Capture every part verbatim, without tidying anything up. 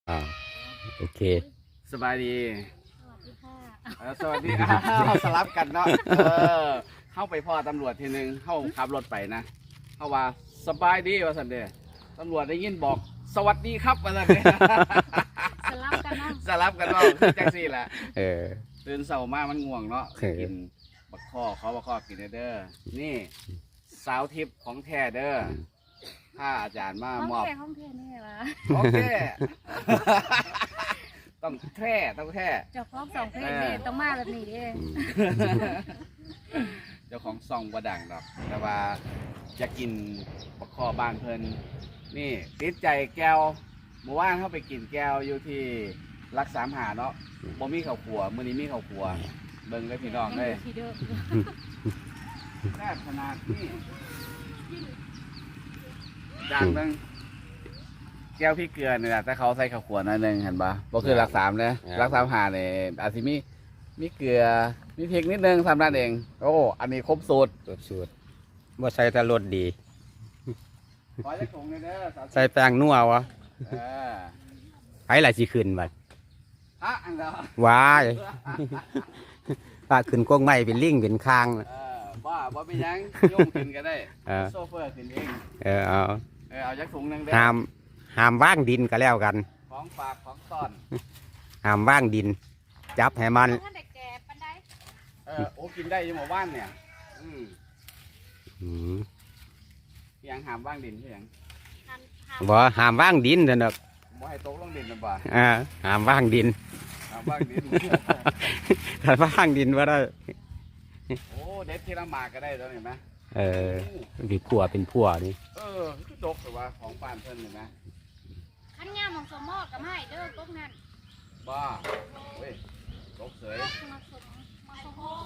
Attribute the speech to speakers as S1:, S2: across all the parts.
S1: อ่าโอเค
S2: สบายดี
S3: สวัสดีค่ะ
S2: เออสวัสดีอ้าวสลับกันเนาะเออเข้าไปพ่อตำรวจทีนึงเข้าขับรถไปนะเข้าว่าสบายดีว่าสันเดตำรวจได้ยินบอกสวัสดีครับว่าสันเด
S3: สลับกันเนาะ
S2: สลับกันว่าแจ็คซี่แหละ
S1: เออ
S2: ตื่นเสาร์มามันง่วงเนาะ
S1: เออ
S2: กินบักข้อเขาบักข้อกินเด้อนี่สาวทิพย์ของแท้เด้อถ้าอาจารย์มา
S3: ห้อง
S2: มอบ
S3: แค่ห้องแค่นี่ไงวะ
S2: โอเค ต้องแท้ต้องแท้
S3: เจ้าของสองเพลงนี่ต้องมาแบบนี้เอง
S2: เจ้าของซองบ่ดังดอกแต่ว่าจะกินบักคอบ้านเพิ่นนี่ติดใจแก้วเมื่อวานเข้าไปกินแก้วอยู่ที่รักสามหาเนาะบ่มีข้าวขัวมื้อนี้มีข้าวขัวเบิ่งได้พี่น้องเลย
S3: ทีเดิม
S2: แซ่บขนาดนี้ดังเบิ่งแก้วพี่เกลือนี่แหละแต่เขาใส่ข้าวขัวหน่อยหนึงเห็นปะบ่คือรักสามเลยรักสามหาเนี่ยอาจสิมีมีเกลือมีพริกนิดนึงทำนั่นเองโอ้อันนี้ครบสูตร
S1: สูตรสูตรว่าใส่แต่รสดี
S2: ขอจะถุงเลยเด้อสาว
S1: ใส่แป้งนัววะ
S2: เออ
S1: ไผล่ะสิขึ้นบัด
S2: ฮะอันเดียว
S1: ว้ายปาขึ้นกงไม้เป็นลิงเป็นคาง
S2: เออบ้าบ่เป็นหยังโยมขึ้นก็ได้
S1: เออ
S2: โซเฟอร์ขึ้นเอง
S1: เออเอา
S2: เออเอาจักถุงหนึงเด้อ
S1: ห้ามห้ามว่างดินก็แล้วกัน
S2: ของฝากของต้อน
S1: ห้ามว่างดิน จับให้มัน
S3: ท่านเด็กแก่ปันได
S2: เออโอ้กินได้อยังหมู่บ้านเนี่ยอืม
S1: อืม
S2: ยังหามว่างดินใช่ยัง
S3: หันหัน
S1: บ่ห้ามว่างดินเด้อดอก
S2: บ่ให้ตกลงดินนะบ่า
S1: อ่าห้ามว่างดิน
S2: หามว่างดิน
S1: ถ้าว่างดินว่าได้
S2: โอ้เด็ดที่ละหมากก็ได้ตอนเห็นไหม
S1: เออเป็นผัวเป็นผัวนี่
S2: เออคือตกแต่ว่าของปานเพิ่นเห็นไหม
S3: ขันงามของสมมอกับไม่เด้อพวกนั้น
S2: บ้าเว้ยตกเสย
S3: มาสมมาสมอ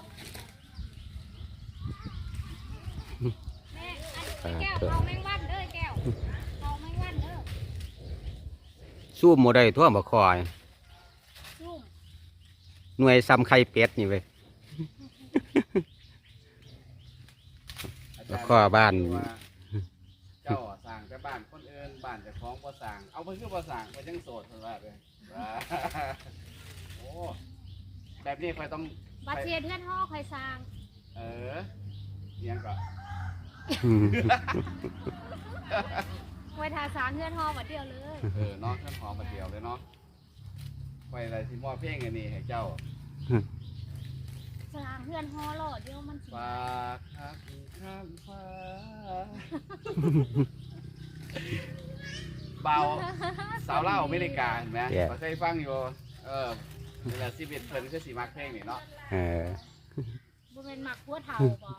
S3: แม่อันแก้วเอาแมงวันเด้อแก้วเอาแมงวันเด้อ
S1: สู้บ่ได้ทั่วบ่คอย
S3: ซุ่ม
S1: หน่วยซ้ำไข่เป็ดนี่เว้ย แล้วก็บ้าน
S2: เจ้าอะสั่งแต่บ้านคนอื่นบ้านเจ้าของบ่สั่งเอาไปคือบ่สั่งไปจังโสดเพิ่นว่าเลยว่าโอ้แบบนี้ค่อยต้อง
S3: บาเซียเทือนห่อคอยสร้าง
S2: เออเลี้ยงก่อน
S1: อืม
S3: ไว้ทาสางเทือนห่อบัดเดียวเลย
S2: เออเนาะเครื่องหอมมาเดียวเลยเนาะไปอะไรที่มอบเพลงอันนี้ให้เจ้า
S3: สร้างเทือนห่อหล่อเดียวมันสิ
S2: ฝากหักข้ามฟ้าเบาสาวเล่าอเมริกาเห็นไหมเราเคยฟังอยู่เออเวลาซีเบนเพิ่นคือสีมักเพลงนี่เนาะ
S1: เออ
S3: บ่เป็นหมักพัวเทาบ่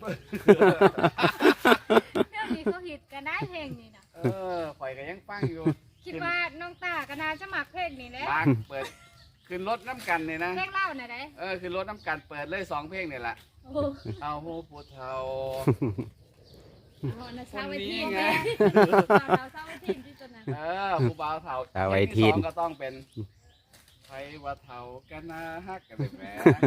S3: เรื่องนี้เขาฮิตกันได้เพลงนี้นะ
S2: เออข่อยก็ยังฟังอยู่
S3: คิดว่าน้องตาก็น่าจะหมักเพลงนี้แหละ
S2: มักเปิดขึ้นรถน้ำกันเนี่ยนะ
S3: เพลงเล่าน่ะได้
S2: เออขึ้นรถน้ำกันเปิดเลยสองเพลงเนี่ยแหละ
S3: โอ้โห
S2: เอาหูปูเทา
S3: น่ะสาวไว้ที
S2: คนนี้
S3: น
S2: ไง
S3: สาวสาวไว้ทีนที่ตัวนั้น
S2: เออผู้บ่าวเทา
S1: เอาไว้ทีน
S2: เพลงที่สองก็ต้องเป็นไผว่าเทากันนะฮักกันเลยแหม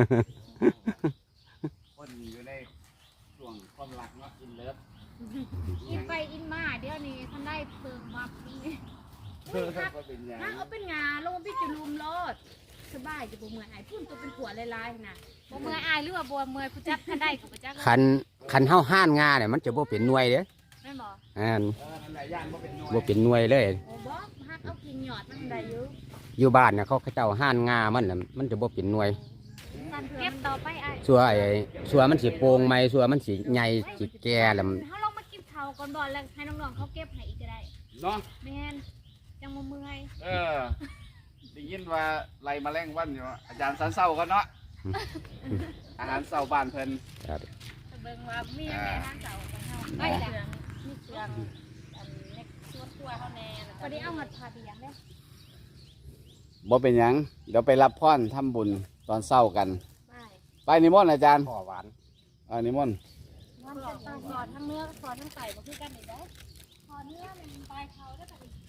S2: คนอยู่ในช่วงความรักเนาะอินเลิฟ
S3: อินไปอินมาเดี๋ยวนี้ท่านได้เพิ่มมับนี่
S2: เออก็เป็นอย่าง
S3: นั่งเอาเป็นงาลงพี่จะลุมโลดสบายจะบ่เมื่อยอายพุ่นตัวเป็นผัวลายๆน่ะบ่เมื่อยอายหรือว่าบ่เมื่อยผู้จักท่านได้ก็บ่จัก
S1: คันคันเฮาห้านงาเนี่ยมันจะบ่เป็นหน่วยเด้อ
S3: แม่นบ่
S1: อ่า
S2: เออนั่นแหละย่านบ่เป็นหน่วย
S1: บ่เป็นหน่วยเลย
S3: โอ้บ่ฮักเอากินหยอดมันได้อยู่
S1: อยู่บ้านน่ะเขาเขาเจ้าห้านงามันน่ะมันจะบ่เป็นหน่วย
S3: เก็บต่อไปไอ้
S1: สัวไอ้สัวมันสิโป่งไหมสัวมันสิใหญ่สิแก่แล้วมัน
S3: เขาลองมากินข้าวก่อนบ่แล้วให้น้องๆเขาเก็บให้อีกก็ได้
S2: เนาะ
S3: แม่นจังบ่เมื่อย
S2: เออได้ยินว่าไล่แมาแรงวันอยู่อาจารย์สันเศร้าก็เนาะอาหารเศร้าบ้านเพิ่น
S1: ครับ
S3: แต่เบิ่งว่ามีแม่ทางเก่าของเฮาไปจ้ะมีเครื่องอันเล็กส่วนตัวเฮาแน่พอดีเอาเงินพาไปยังเด้
S2: บ่เป็นหยังเดี๋ยวไปรับพรทำบุญตอนเศร้ากัน
S3: ไป
S2: ไปนิมนต์อาจารย์
S1: พ่อหวาน
S2: เออนิมนต์
S3: วันจะไปสอนทั้งเนื้อสอนทั้งไก่บ่คือกันนี่เด้อสอนเนื้อมันปลายเขาได้อบัดนี้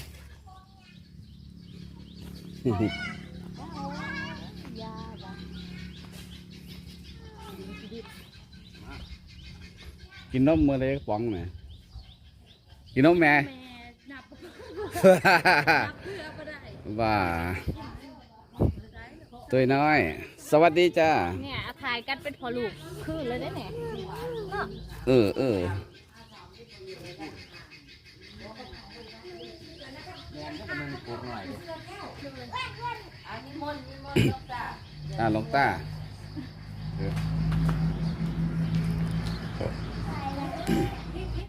S3: โอ้ยยาจ้ะ
S2: กินนมมื้อเล็กป๋องแหมกินนมแม่
S3: แม่นับนับเพื่อบ่ได้
S2: ว่าตัวน้อย สวัสดีจ้า
S3: เนี่ยถ่ายกันเป็นพอลูกคืนเลยได้เนี่ยเนาะ
S2: เออเอออ่าหลวงตาเออ